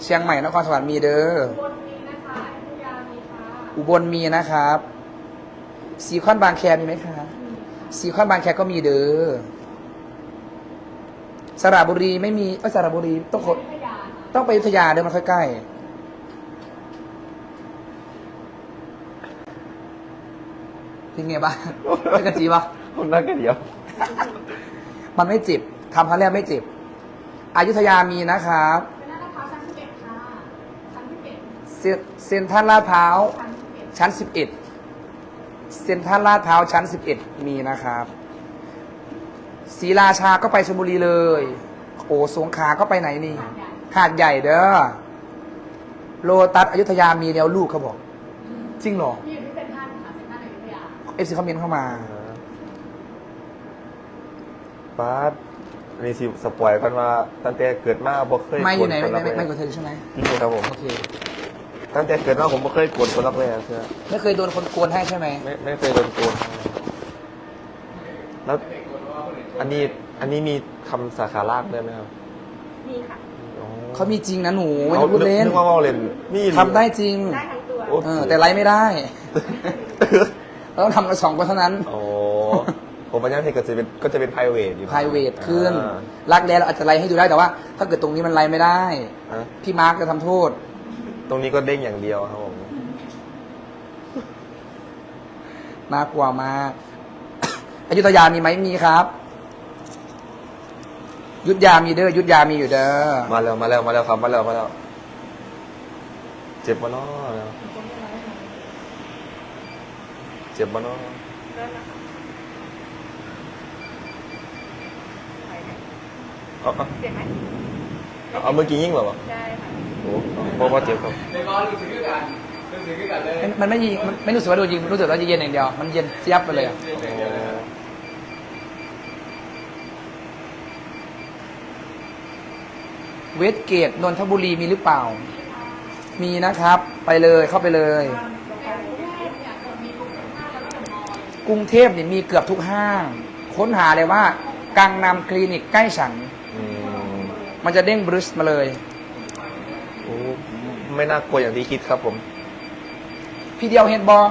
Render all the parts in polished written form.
ชียงใหม่นครสวรรค์มีเด้ออุบลมีนะคะอยุธยามีค่ะอุบลมีนะครับซีคอนบางแคมีไหมคะซีคอนบางแคก็มีเด้อสระบุรีไม่มีสระบุรีต้องอยุธยาค่ะต้องไปอยุธยาเด้อมันค่อยใกล้เป็นไงบ้างเป็นกระจีปะคนนั่งกันเดียวมันไม่เจ็บทำครั้งแรกไม่เจ็บอยุธยามีนะครับเป็นหน้าพร้าวชั้น11ค่ะชั้น11 เซ็นทรัลลาดพร้าวชั้น11 ชั้น11เซ็นทรัลลาดพร้าวชั้น11มีนะครับศรีราชาก็ไปชลบุรีเลยโอ้สงขลาก็ไปไหนนี่หาดใหญ่เด้อโลตัสอยุธยามีแนวลูกเขาบอกจริงเหรอที่อยู่ที่เซ็นทรัลค่ะเซ็นทรัลอยุธยาเอฟซีคอมเมนต์เข้ามาป้าดมีสิสปอยกันว่าตั้งแต่เกิดมาบ่เคยไม่อยู่ไหนกดไม่คนรักแร้กดเธอใช่ไหมนี่ครับผมโอเคตั้งแต่เกิดมาผมบ่เคยกดคนรักแร้เชื่อไม่เคยโดนคนโกนให้ใช่ไหมไม่เคยโดนโกนแล้วอันนี้มีคำสาขาลากด้วยไหมครับมีค่ะอ๋อเขามีจริงนะหนูไม่ต้องพูดเล่นนึกว่าเมาเล่นนี่ทำได้จริงได้ทั้งตัวโอ้แต่ไลฟ์ไม่ได้เราต้องทำกัน2 คนเท่านั้นโอ้ผมปัญญาเทคก็จะเป็น private อยู่ private ขึ้นอ่ารักแร้เราอาจจะไลฟ์ให้ดูได้แต่ว่า ถ้าเกิดตรงนี้มันไลฟ์ไม่ได้ฮะพี่มาร์กจะทำโทษตรงนี้ก็เด้งอย่างเดียวครับผมน่ากลัวมาก อยุธยามีไหมมีครับยุทธยามีเด้อยุทธยามีอยู่เด้อมาแล้วครับมาแล้ว เจ็บมาเนาะแล้วเจ็บมาเนาะเริ่มนะคะไหวไหมเอาเจ็บไหมเอาเมื่อกี้ยิ่งเหรอวะได้ค่ะโอ้เพราะว่าเจ็บครับมันไม่ยิงมันไม่รู้สึกว่าโดนยิงรู้สึกว่าจะเย็นอย่างเดียวมันเย็นเจี๊ยบไปเลยอะเวสเกตนนทบุรีมีหรือเปล่า มีนะครับ ไปเลยเข้าไปเลย กรุงเทพเนี่ยมีเกือบทุกห้าง ค้นหาเลยว่ากังนำคลินิกใกล้ฉันอืมมันจะเด้งบริสมาเลยโอ้ไม่น่ากลัวอย่างที่คิดครับผมพี่เดียวเห็นบอ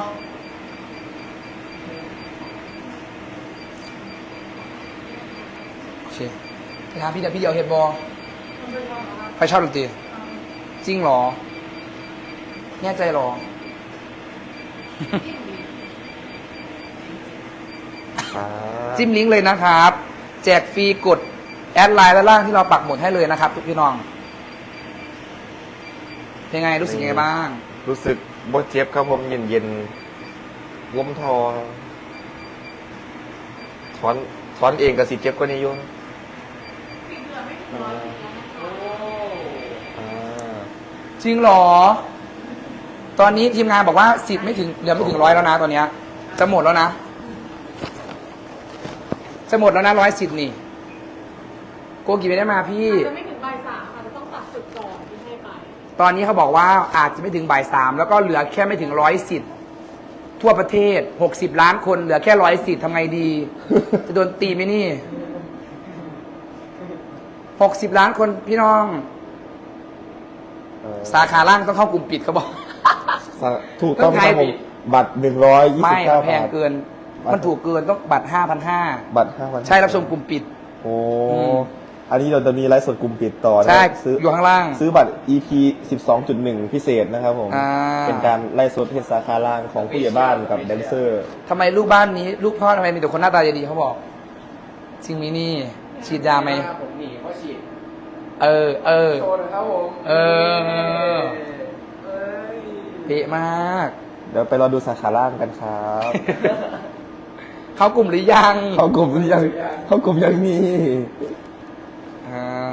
โอเคไปถามพี่เดียวเห็นบอใครชอบดนตรีจริงเหรอแน่ใจเหรอ จิ้มลิงก์เลยนะครับ แจกฟรีกดแอดไลน์ด้านล่างที่เราปักหมุดให้เลยนะครับทุกพี่น้องเป็นไงรู้สึกยังไงบ้างรู้สึกบ่เจ็บครับผมเย็นล้มทอถอนเองกับสิเจ็บกว่านี้อยู่อ่าจริงเหรอ ตอนนี้ทีมงานบอกว่าสิทธิ์ไม่ถึงเหลือไม่ถึง100แล้วนะตอนเนี้ยจะหมดแล้วนะ จะหมดแล้วนะ100 สิทธิ์นี่โกกี่ไม่ได้มาพี่จะไม่ถึงบ่าย3ค่ะจะต้องตัดจุดก่อนที่ให้ไปตอนนี้เขาบอกว่าอาจจะไม่ถึงบ่าย 3แล้วก็เหลือแค่ไม่ถึง100 สิทธิ์ทั่วประเทศ60 ล้านคนเหลือแค่100 สิทธิ์ทำไงดี จะโดนตีไหมนี่60 ล้านคนพี่น้อง สาขาล่างต้องเข้ากลุ่มปิดเขาบอกถูกต้องครับผมบัตร129 ไม่บาทแพงเกิน มันถูกเกินต้องบัตร 5,500 บัตร5,000 ใช่รับชมกลุ่มปิดโอ้อืมอันนี้เราจะมีไลฟ์สดกลุ่มปิดต่อนะใช่ซื้ออยู่ข้างล่างซื้อบัตร EP 12.1 พิเศษนะครับผมอ่าเป็นการไลฟ์สดเทศสาขาล่างของผู้ใหญ่บ้านกับแดนเซอร์ทำไมลูกบ้านนี้ ลูกพ่อทำไมมีแต่คนหน้าตาดีๆเขาบอก จริงมีนี่ ฉีดยาไหมผมหนีเพราะฉีดเออโชว์นะครับผมเออเอ้ยเป๊ะมากเดี๋ยวไปรอดูสาขาล่างกันครับเขากลุ่มหรือยังเข้ากลุ่มยังมีอ่า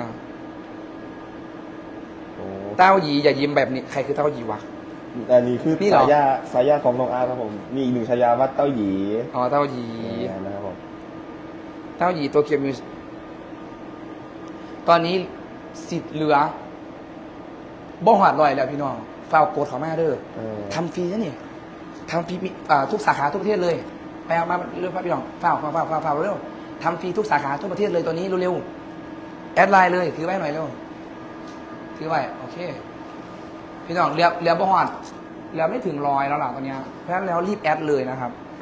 โอ้เต้าหยีอย่ายิ้มแบบนี้ ใครคือเต้าหยีวะอันนี้คือนี่เหรอสายาของน้องอาร์ครับผม มีอีกหนึ่งฉายาว่าเต้าหยีอ๋อ เต้าหยีนะครับผมเต้าหยีตัวเกียวมิวส์ตอนนี้สิทธิ์เหลือบ่หอดลอยแล้วพี่น้องฟาวโกดเขามาเด้อ ทำฟรีนะนี่ทำฟรีทุกสาขาทุกประเทศเลยไปเอามาเร็วพี่น้องฝ้าเร็วทำฟรีทุกสาขาทุกประเทศเลยตอนนี้เร็วๆแอดไลน์เลยถือไว้หน่อยเร็วถือไว้โอเค พี่น้องเรียบบ่หอดเรียบไม่ถึง100แล้วล่ะตอนเนี้ยเพราะฉะนั้นแล้วรีบแอดเลยนะครับ